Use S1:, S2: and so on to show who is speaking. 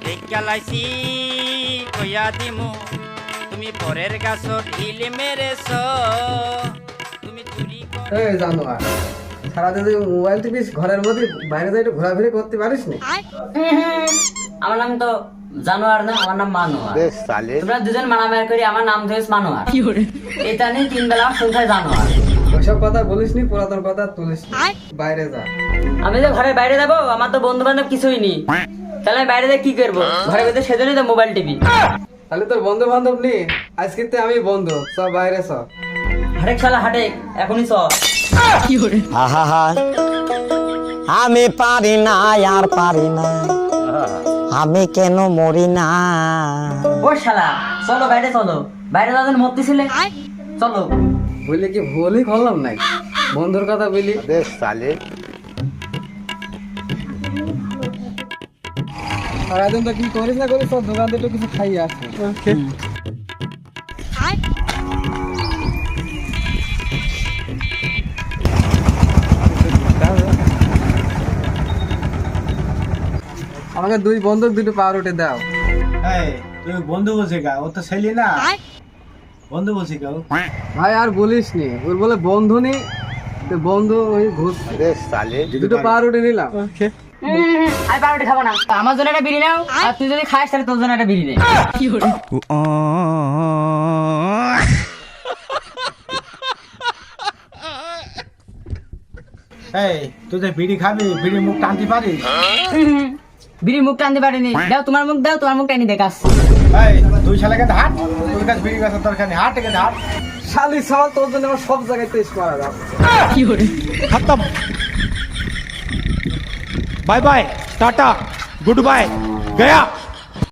S1: দেখালাইছি কইয়া দিমু তুমি পরের গাছ ঢিল মেরেছ তুমি চুরি করে
S2: এই জানোয়ার সারাদিন তুই মোবাইল টিপিস ঘরের মধ্যে বাইরে যাই একটু ঘোরাফেরি করতে পারিস না?
S3: আমার নাম তো জানোয়ার না, আমার নাম মানোয়ার। তোমরা দুজন মারামারি করি, আমার নাম ধরেছ মানোয়ার। এটা নিয়ে 3 বেলা সংখ্যায় জানোয়ার।
S2: ওইসব কথা বলিস নি, পুরাতন কথা তুলিস নি। বাইরে যা।
S3: আমি তো ঘরের বাইরে যাবো, আমার তো বন্ধু বান্ধব কিছুই নেই, তাহলে আমি বাইরে যাই কি করবো? ঘরের ভিতরে সেজন্যই তো মোবাইল টিপি।
S2: তাহলে তোর বন্ধু বান্ধব নি, আজকে তো আমি বন্ধু, সব বাইরে সব।
S3: হাটেক শালা হাটেক, এখনই চ।
S4: আহা আমি পারি না আর পারি না, আমি কেন মরি না।
S3: ও শালা চলো বাইরে চলো, বাইরে যাওয়ার জন্য মরতেছিলে, চলো।
S2: বললি কি ভুলই করলাম নাই, বন্ধুর কথা বলি। সারাদিন তো কি করিস না করিস, তোর দোকান থেকে কিছু খাইয়ে আসে। আমাকে 2 বন্ধুক 2টো পাউরুটি দাও।
S5: এই তুই বন্ধু বলছি কা? ও তো ছেলে না, বন্ধু বলছি কা?
S2: ভাই আর বলিস নি, ওর বলে বন্ধু নি, তো বন্ধু ওই ঘুষ। 2টো পাউরুটি নিলাম।
S3: আমি পাউরুটি খাবো না, আমার জন্য একটা বিড়ি নাও, আর তুই যদি খাস তাহলে তোর জন্য একটা বিড়ি নে।
S5: এই তুই যে বিড়ি খাবি, বিড়ি মুখ টানতে পারিস?
S3: বিড়ি মুখ টানতে পারিনি, দাও তোমার মুখ, দাও তোমার মুখ টানি দেখাস।
S5: এই তুই শালাকে হাট, তোর কাছে বিড়ি গাছের দরকার নেই, হাট থেকে হাট।
S2: শালি সওয়াল তোর জন্য আমার সব জায়গায় টেস্ট করা যাবে।
S6: खत्म bye bye tata good bye गया।